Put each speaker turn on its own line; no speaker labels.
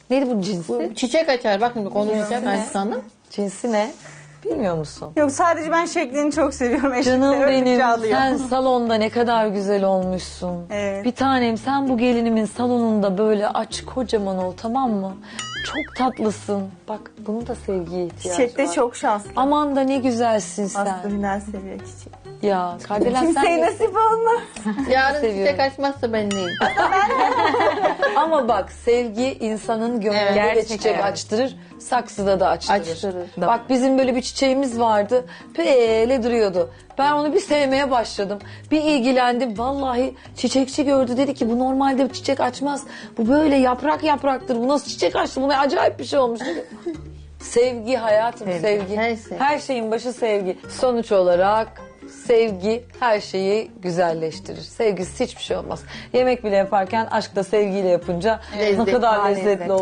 Neydi bu cinsi?
Çiçek açar. Bak şimdi konuşacak Aysel Hanım.
Cinsi ne? Bilmiyor musun?
Yok sadece ben şeklini çok seviyorum. Eşim de
Canım
öyle
benim,
alıyor.
sen salonda ne kadar güzel olmuşsun.
Evet.
Bir tanem, sen bu gelinimin salonunda böyle aç kocaman ol, tamam mı? Çok tatlısın. Bak, bunun da sevgiye ihtiyacı
Çiçekte
var.
çok şanslı.
Aman da ne güzelsin sen.
Aslı Hünal seviyor çiçek.
Ya Kardelen, sen
Kimseye
de...
nasip olmaz.
Yarın
seviyorum.
çiçek açmazsa ben neyim?
Ama bak, sevgi insanın gönlünde
Evet,
de
gerçekten.
çiçek açtırır, saksıda da açtırır.
Açtırır.
Bak, bizim böyle bir çiçeğimiz vardı, böyle duruyordu. Ben onu bir sevmeye başladım. Bir ilgilendim. Vallahi çiçekçi gördü, dedi ki bu normalde çiçek açmaz. Bu böyle yaprak yapraktır. Bu nasıl çiçek açtı? Bu ne acayip bir şey olmuş dedi. Sevgi hayatım, sevgi.
her şey.
Her şeyin başı sevgi. Sonuç olarak sevgi her şeyi güzelleştirir. Sevgisiz hiçbir şey olmaz. Yemek bile yaparken aşkla, sevgiyle yapınca ne
Lezzetli,
kadar
daha
lezzetli
lezzetli.